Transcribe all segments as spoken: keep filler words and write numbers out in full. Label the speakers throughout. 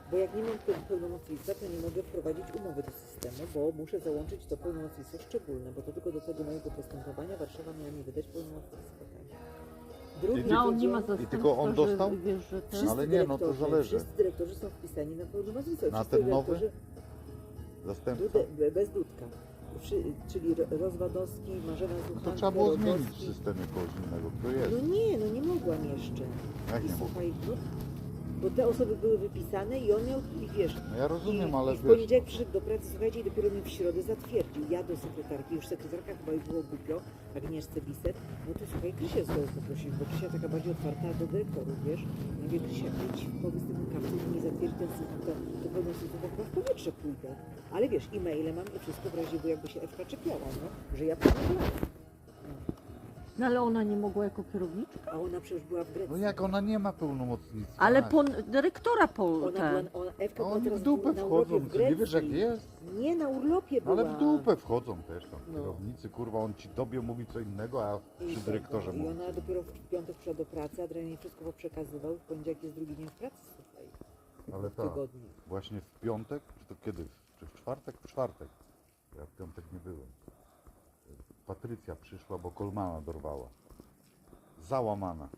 Speaker 1: Bo jak nie mam pe- pełnomocnictwa, to nie mogę wprowadzić umowy do systemu, bo muszę załączyć to pełnomocnictwo szczególne, bo to tylko do tego mojego postępowania Warszawa miała mi wydać pełnomocnictwo. Tak. Drugi
Speaker 2: No a on nie ma
Speaker 1: tydzień-
Speaker 2: zastępstwa,
Speaker 3: tylko on dostał?
Speaker 2: że wiesz, że ten...
Speaker 1: Wszyscy
Speaker 3: Ale nie, no to
Speaker 1: dyrektorzy-
Speaker 3: zależy.
Speaker 1: Wszyscy dyrektorzy są wpisani na pełnomocnictwo.
Speaker 3: Na
Speaker 1: Wszyscy
Speaker 3: ten nowy?
Speaker 1: dyrektorzy-
Speaker 3: Zastępca?
Speaker 1: Dude, bez Dudka. Wszy, czyli Ro- Rozwadowski, Marzena Zuchanka,
Speaker 3: To trzeba było zmienić w
Speaker 1: Rogowski.
Speaker 3: systemie kogoś innego, kto
Speaker 1: No
Speaker 3: jest.
Speaker 1: nie, no nie mogłam jeszcze.
Speaker 3: Jak
Speaker 1: I
Speaker 3: nie mogę?
Speaker 1: słuchaj, no, bo te osoby były wypisane i on miał, i wiesz,
Speaker 3: No ja rozumiem,
Speaker 1: i,
Speaker 3: ale
Speaker 1: i w
Speaker 3: wiesz,
Speaker 1: poniedziałek przyszedł do pracy, słuchajcie, i dopiero mi w środę zatwierdził. Ja do sekretarki, już sekretarka chyba jej było głupio, Agnieszce Biset, no to słuchaj, Krysię znowu poprosić, bo Krysia taka bardziej otwarta do dyrektorów, wiesz. Ja mówię, Krysia, idź, powiedz temu kapcu, że nie zatwierdzi ten system, to, to pewno system, to chyba w powietrze pójdę. Ale wiesz, e-maile mam i wszystko w razie, bo jakby się Ewka czepiała, no, że ja pomogłam.
Speaker 2: No ale ona nie mogła jako kierowniczka?
Speaker 1: A ona przecież była w Grecji.
Speaker 3: no jak ona nie ma pełnomocnictwa.
Speaker 2: Ale
Speaker 3: tak.
Speaker 2: po dyrektora po
Speaker 1: Ona
Speaker 2: ten.
Speaker 1: była, ona, Ewka
Speaker 3: A
Speaker 1: była
Speaker 3: oni
Speaker 1: teraz
Speaker 3: w dupę
Speaker 1: na urlopie
Speaker 3: wchodzą,
Speaker 1: w
Speaker 3: ty nie wiesz jak
Speaker 1: Grecji.
Speaker 3: jest?
Speaker 1: Nie, na urlopie była.
Speaker 3: Ale w dupę wchodzą też tam
Speaker 1: No.
Speaker 3: kierownicy, kurwa, on ci tobie mówi co innego, a
Speaker 1: I
Speaker 3: przy
Speaker 1: tak,
Speaker 3: dyrektorze
Speaker 1: I
Speaker 3: mówi.
Speaker 1: ona dopiero w piątek przyszła do pracy, Adrian jej wszystko przekazywał, w poniedziałek jest drugi dzień w pracy, słuchaj,
Speaker 3: Ale
Speaker 1: w
Speaker 3: tak,
Speaker 1: tygodniu.
Speaker 3: właśnie w piątek, czy to kiedy? Czy w czwartek? W czwartek. Ja w piątek nie byłem. Patrycja przyszła, bo Kolmana dorwała. Załamana.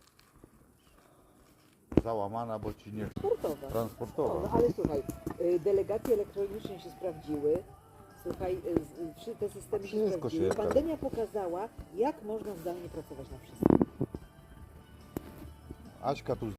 Speaker 3: Załamana, bo ci nie...
Speaker 1: Sportowa. No,
Speaker 3: Transportowa.
Speaker 1: no ale słuchaj, y, delegacje elektroniczne się sprawdziły, słuchaj, y, z- y, trzy te systemy się
Speaker 3: Wszystko
Speaker 1: sprawdziły.
Speaker 3: się-
Speaker 1: Pandemia pokazała, jak można zdalnie pracować na wszystkim.
Speaker 3: Aśka tu